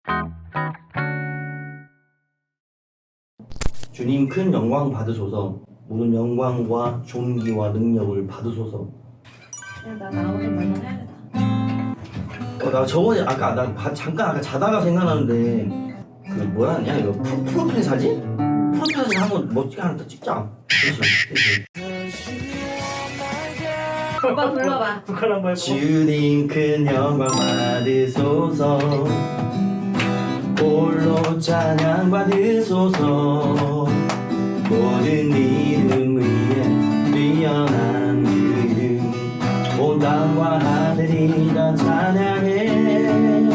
주님 큰 영광 받으소서. 모든 영광과 존귀와 능력을 받으소서. 그냥 나 나오는 말만 해야겠다. 나 저번에 잠깐 아까 자다가 생각나는데 그 뭐라 하냐 이거 프로필 사진? 프로필 사진 한번 멋지게 하나 더 찍자. 그렇지. 오빠 불러봐. 북한 한번 해봐. 주님 큰 영광 받으소서. 홀로 찬양 받으소서. 모든 이름 위에 뛰어난 이름 온 땅과 하늘이 다 찬양해.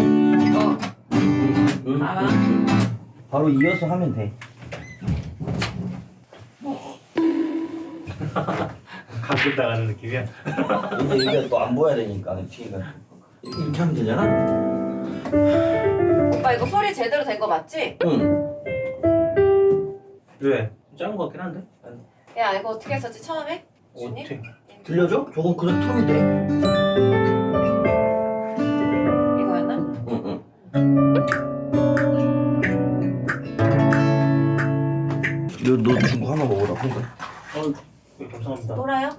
봐봐. 바로 이어서 하면 돼. 가끔 나가는 느낌이야. 이제 여기가 또 안 보여야 되니까 뒤에가 이렇게 하면 되잖아? 오빠 이거 소리 제대로 된 거 맞지? 응. 왜? 작은 거 같긴 한데? 야 이거 어떻게 했었지 처음에? 준이? 어떻게? 들려줘? 저건 그냥 틀면 돼. 이거였나? 응. 너 주고 하나 먹으라. 네, 감사합니다. 놀아요?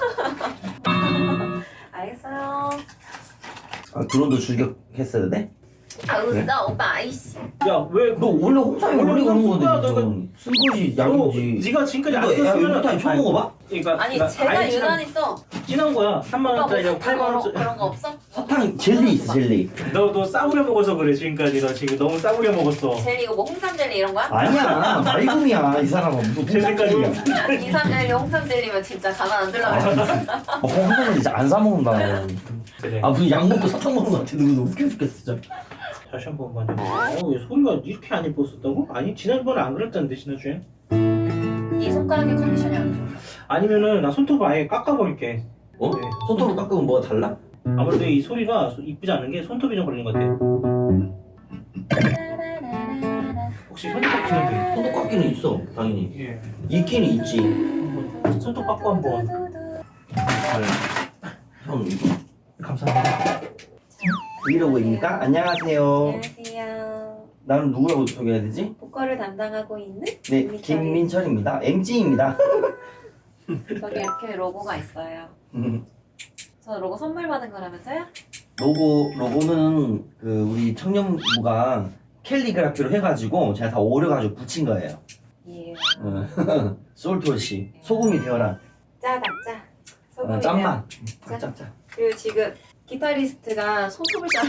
알겠어요. 아 드론도 출격했어야 돼? 아 웃어 오빠 아이씨. 야, 왜? 너 원래 홍삼이 원래 거는 건데 너 무슨 쓴 거지 약이지. 네가 지금까지 안 이거 야 썼으면 이거 다 처음 먹어봐? 그러니까 아니 그러니까 제가 아예 유난히 써. 진한 거야. 3만 오빠 뭐 원짜리랑 사탕 8만 원짜리. 그런 거 없어? 사탕 젤리 있어 젤리. 너 싸구려 먹어서 그래 지금까지. 너 지금 너무 싸구려 먹었어. 젤리 이거 뭐 홍삼 젤리 이런 거야? 아니야 말금이야 이 사람은 무슨 젤리까지. 홍삼 이삼 젤리 홍삼 젤리면 진짜 가만 안 들라 그랬어. 홍삼은 진짜 안 사 먹는다. 그래. 아 무슨 약 먹고 사탕 먹는 거 같아. 누구 웃겨 죽겠어 진짜. 다시 한 번만. 왜 소리가 이렇게 안 예뻤었다고? 아니 지난번에 안 그랬다는데 지난주에. 이 손가락의 컨디션이 안 좋아. 아니면은 나 손톱 아예 깎아버릴게. 어? 네. 손톱을 깎으면 뭐가 달라? 아무래도 이 소리가 이쁘지 않은 게 손톱이 좀 걸린 것 같아. 혹시 손톱 깎이는데? 손톱 깎기는 있어 당연히. 예. 있기는 있지. 한번 손톱 깎고 한번. 형 이거 감사합니다. 브이로그입니까? 안녕하세요. 안녕하세요. 나는 누구라고 소개해야 되지? 보컬을 담당하고 있는 네 김민철입니다. MG입니다. 여기 이렇게 로고가 있어요. 저 로고 선물 받은 거라면서요? 로고는 그 우리 청년부가 캘리그라피로 해가지고 제가 다 오려가지고 붙인 거예요. 예. 솔트워시 소금이 되어라. 짜다 짜. 소금이네요. 짠맛. 짜. 짭짭. 그리고 지금 기타리스트가 손톱을 짜.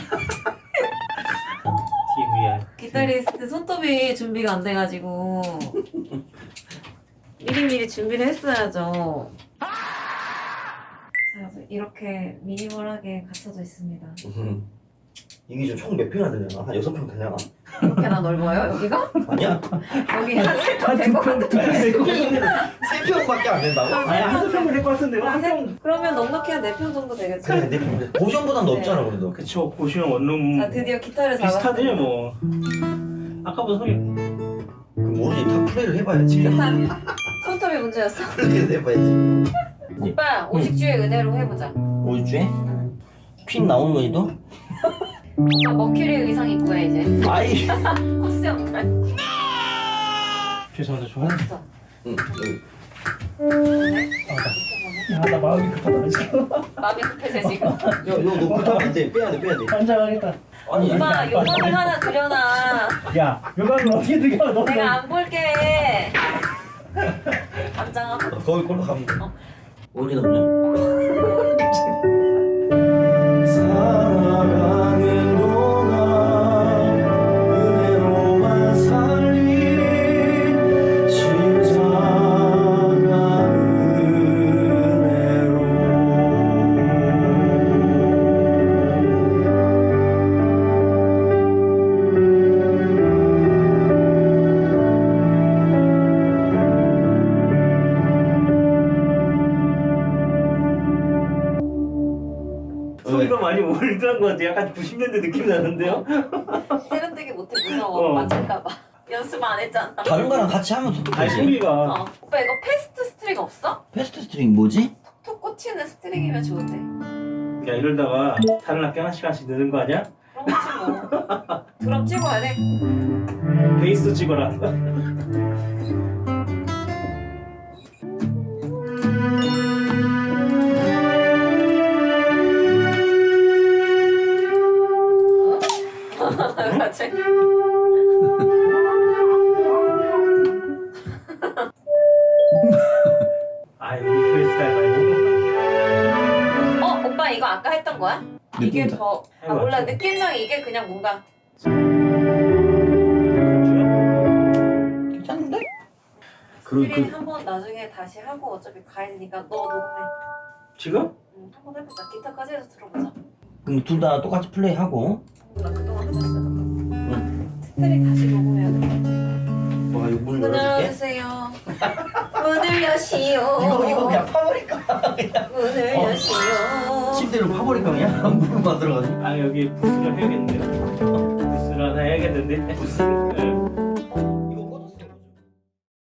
TVR. 기타리스트 손톱이 준비가 안 돼가지고 미리미리 준비를 했어야죠. 자, 그래서 이렇게 미니멀하게 갖춰져 있습니다. 이게 좀 총 몇 평이나 되려나? 한 6평 되려나? 이렇게나 넓어요 여기가? 아니야? 여기 한 3평 될것 같은데. 3평밖에 안 된다고? 아니 한두 평은 될것 같은데. 한 평. 그러면 넉넉히 한 4평 정도 되겠죠? 그래 4평. 고시원보단 넓잖아 그래도. 그쵸. 고시원 원룸. 자 드디어 기타를 비슷하지 잡았어요. 뭐. 아까보다 소리. 그 모르지 다 플레이를 해봐야지. 손톱이 문제였어. 플레이를 해봐야지. 오빠 오직주의 은혜로 해보자. 5주에? 퀸 나오는 거 이도? 오빠 머큐리 의상 입고 해 이제. 아이. 코스 역할. 죄송합니다. 좀 없어. 응. 나 마음이 급하다 지금. 마음이 급해져 지금. 너 못하면 안 돼. 빼야 돼. 환장하겠다. 아니 오빠 요강을 하나 그려놔. 야, 요강을 어떻게 들여? 너 내가 안 볼게. 감장하고. 거기 걸로 가면 돼. 어디다 그냥? 살아가는 동안 은혜로만 살리 십자가 은혜로. 소리가 많이 올드한 것 같아. 약간 90년대 느낌 나는데요? 세련되게 못해 무서워. 어. 맞을까봐. 연습 안 했잖아. 다른 거랑 같이 하면 더 아니 좋지. 소리가. 어. 오빠 이거 패스트 스트링 없어? 패스트 스트링 뭐지? 톡 꽂히는 스트링이면 좋은데. 야 이러다가 다른 학교 하나씩 하나씩 느는 거 아니야? 그런 거지 뭐. 드럼 찍어야 돼. 베이스 찍어라. 같이. 아이 우리 프리스타일 말고. 오빠 이거 아까 했던 거야? 이게 느낌이다. 더. 아 몰라 느낌상 이게 그냥 뭔가. 괜찮은데? 스크린 한번 나중에 다시 하고 어차피 가야 되니까 너 녹음해. 지금? 응, 한번 해보자. 기타까지 해서 들어보자. 그럼 둘 다 똑같이 플레이하고. 나 그동안 하셨어. 스트릿 다시 녹음해야 돼. 와 이거 문 문을 열어줄게. 열어주세요. 문을 여시오. 이거 그냥 파버릴까? 문을 여시오. 침대로 파버릴까 그냥? 물을 만들어가지고. 아 여기 부스를 해야겠는데요. 부스를 하나 해야겠는데. 부스.